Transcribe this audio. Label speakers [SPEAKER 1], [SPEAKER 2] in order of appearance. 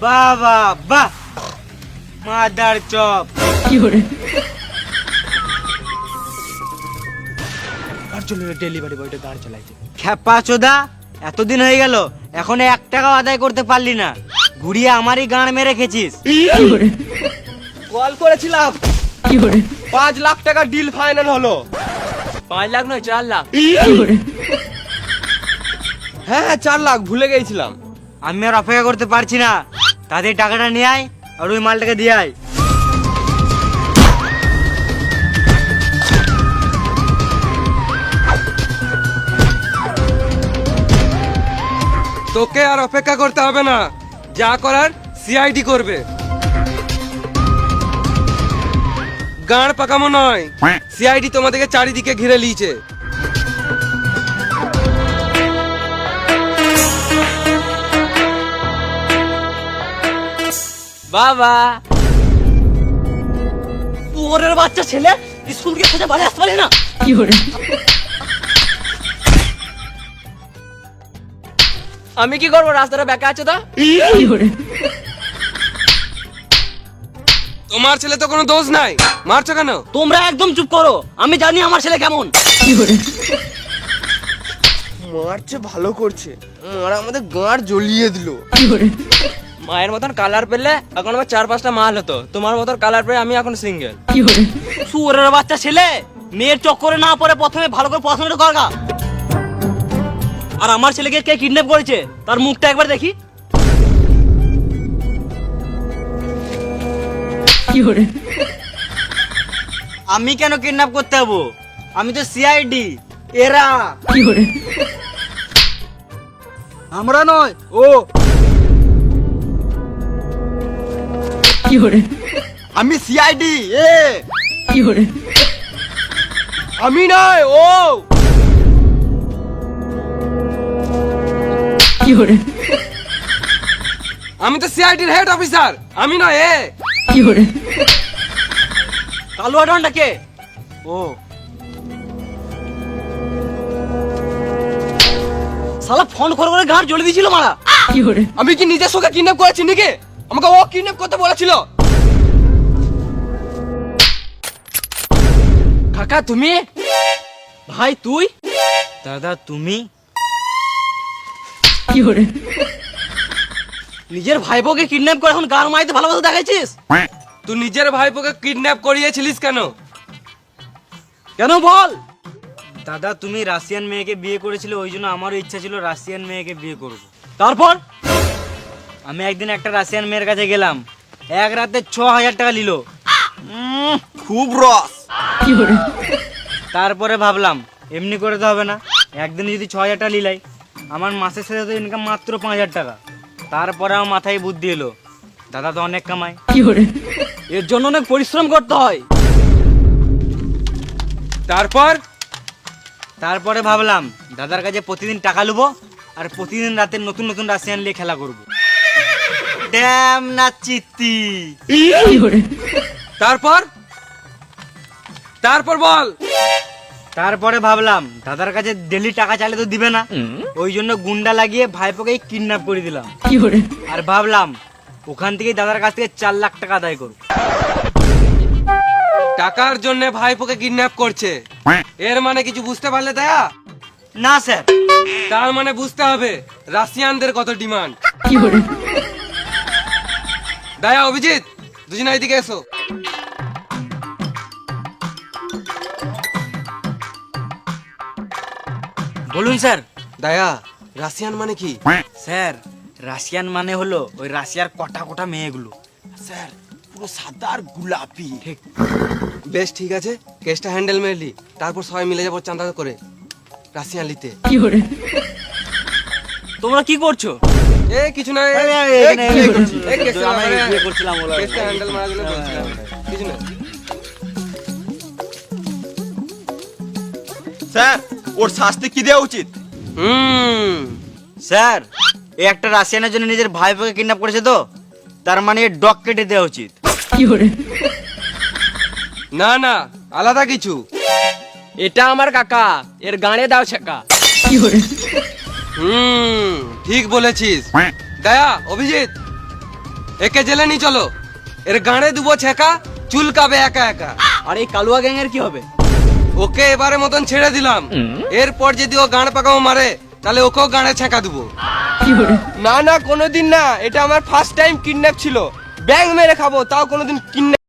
[SPEAKER 1] বাহ বাহ বাহ, মাদার চপ। আর চলো ডেলিভারি বয়টা গাড়ি চালাইছে। খেপা চোদা, এতদিন হয়ে গেল এখন 1 টাকাও আদায় করতে পারলি না, ঘুরিয়ে আমারই গাঁড় মেরে খেছিস।
[SPEAKER 2] কল করেছিলাম 5 লাখ টাকা ডিল ফাইনাল হলো। 5 লাখ নয় 4 লাখ। হ্যাঁ 4 লাখ ভুলে গেছিলাম।
[SPEAKER 1] আমি আর অপেক্ষা করতে পারছি না, তাদের টাকাটা নিয়ে আয় আর ওই মালটাকে দিয়ে আয়।
[SPEAKER 2] তোকে আর অপেক্ষা করতে হবে না, যা করার সিআইডি করবে। গাঁড় পাকামো নয়, সিআইডি তোমাদেরকে চারিদিকে ঘিরে লিয়েছে।
[SPEAKER 3] বাবা ওরের বাচ্চা ছেলে স্কুল থেকে খোঁজা বাড়ি আসতে পারে না। আমি কি করবো, রাস্তাটা বেঁকা আছে তো।
[SPEAKER 2] তোমার ছেলে তো কোনো দোষ নাই, মারছো কেন?
[SPEAKER 3] তোমরা একদম চুপ করো, আমি জানি আমার ছেলে কেমন।
[SPEAKER 2] মারছে ভালো করছে, মারা আমাদের গাঁড় জ্বলিয়ে দিল।
[SPEAKER 3] মায়ের মতন কালার পেলে এখন আমার 4-5টা মাল হতো, তোমার মতন কালার পেয়ে আমি এখন সিঙ্গেল। সুরের বাচ্চা ছেলে, মেয়ের চক্করে না পড়ে প্রথমে ভালো করে পড়াশোনাটা করগা। আর আমার ছেলেকে কে কিডন্যাপ করেছে তার মুখটা একবার দেখি।
[SPEAKER 1] আমি কেন কিডন্যাপ করতে যাবো? আমি তো সিআইডি। এরা আমরা নয়, ও আমি সিআইডি। এ
[SPEAKER 2] আমি নয়, ও আমি তো সিআইডির হেড অফিসার, আমি নয় এ।
[SPEAKER 3] কালুয়া ডনটা কে?
[SPEAKER 1] ও
[SPEAKER 3] শালা ফোন করে করে ঘাড় জ্বলে দিয়েছিল মারা।
[SPEAKER 2] আমি কি নিজের সঙ্গে কিডন্যাপ করেছি নাকি? আমাকে ও কিডন্যাপ করতে বলেছিল।
[SPEAKER 3] কাকা তুমি? ভাই তুই?
[SPEAKER 1] দাদা তুমি?
[SPEAKER 3] নিজের ভাইপোকে কিডন্যাপ করে এখন গান মাইতে ভালোবাসা দেখাইছিস?
[SPEAKER 2] তুই নিজের ভাইপোকে কিডন্যাপ করিয়েছিলিস কেন?
[SPEAKER 3] কেন বল?
[SPEAKER 1] দাদা তুমি রাশিয়ান মেয়েকে বিয়ে করেছিলে, ওই জন্য আমারও ইচ্ছা ছিল রাশিয়ান মেয়েকে বিয়ে করব।
[SPEAKER 3] তারপর
[SPEAKER 1] আমি একদিন একটা রাশিয়ান মেয়ের কাছে গেলাম, এক রাতে 6000 টাকা নিল। খুব রস। তারপরে ভাবলাম এমনি করে তো হবে না, একদিন যদি 6000 টাকা নিলাই, আমার মাসের সাথে তো ইনকাম মাত্র 5000 টাকা। তারপরে আমার মাথায় বুদ্ধি এলো, দাদা তো অনেক কামায়,
[SPEAKER 3] এর জন্য অনেক পরিশ্রম করতে হয়।
[SPEAKER 1] তারপরে ভাবলাম দাদার কাছে প্রতিদিন টাকা লুবো আর প্রতিদিন রাতে নতুন নতুন রাশিয়ান নিয়ে খেলা করবো। ড্যাম না চিত্তি।
[SPEAKER 2] তারপর বল।
[SPEAKER 1] তারপরে ভাবলাম দাদার কাছে ডেলি টাকা চাইলে তো দিবে না, ওই জন্য গুন্ডা লাগিয়ে ভাইপোকে কিডন্যাপ করে দিলাম। আর ভাবলাম ওখান থেকে দাদার কাছ থেকে 4 লাখ টাকা আদায় করব।
[SPEAKER 2] টাকার জন্য ভাইপোকে কিডন্যাপ করছে, এর মানে কিছু বুঝতে পারলে দয়া?
[SPEAKER 1] না স্যার।
[SPEAKER 2] তার মানে বুঝতে হবে রাশিয়ানদের কত ডিমান্ড। দয়া, অভিজিৎ, দুজনে এদিকে এসো।
[SPEAKER 1] বলুন স্যার।
[SPEAKER 2] দয়া, রাশিয়ান মানে কি?
[SPEAKER 1] স্যার রাশিয়ান মানে হলো ওই রাশিয়ার কটা কটা মেয়েগুলো।
[SPEAKER 2] স্যার পুরো সাদা আর গোলাপি।
[SPEAKER 1] ঠিক।
[SPEAKER 2] বেশ ঠিক আছে, কেসটা হ্যান্ডেল মেরলি, তারপর সবাই মিলে যাবো চাঁদা করে রাশিয়ান লিতে।
[SPEAKER 3] তোমরা কি করছো?
[SPEAKER 2] এ কিছু না,
[SPEAKER 1] এখানে
[SPEAKER 2] কিছু না।
[SPEAKER 4] স্যার ওর শাস্তি কি দেওয়া উচিত?
[SPEAKER 1] স্যার এই একটা রাশিয়ানের জন্য নিজের ভাইপোকে কিডন্যাপ করেছে, তো তার মানে এর ডগ কেটে দেওয়া উচিত।
[SPEAKER 2] না না, আলাদা কিছু।
[SPEAKER 3] এটা আমার কাকা, এর গানে দাও ছেকা।
[SPEAKER 2] ঠিক বলেছিস। দয়া, অভিজিৎ, একে জেলে নিয়ে চলো, এর গাঁড়ে দুবো ছেঁকা, চুলকাবে একা একা।
[SPEAKER 3] আর এই কালুয়া গ্যাং এর কি হবে?
[SPEAKER 2] ওকে এবারে মতন ছেড়ে দিলাম, এরপর যদি ও গাঁড় পাকাও মারে তাহলে ওকেও গাঁড়ে ছেঁকা দেবো।
[SPEAKER 5] না না কোনোদিন না, এটা আমার ফার্স্ট টাইম কিডন্যাপ ছিল। ব্যাং মেরে খাবো, তাও কোনোদিন কিডন্যাপ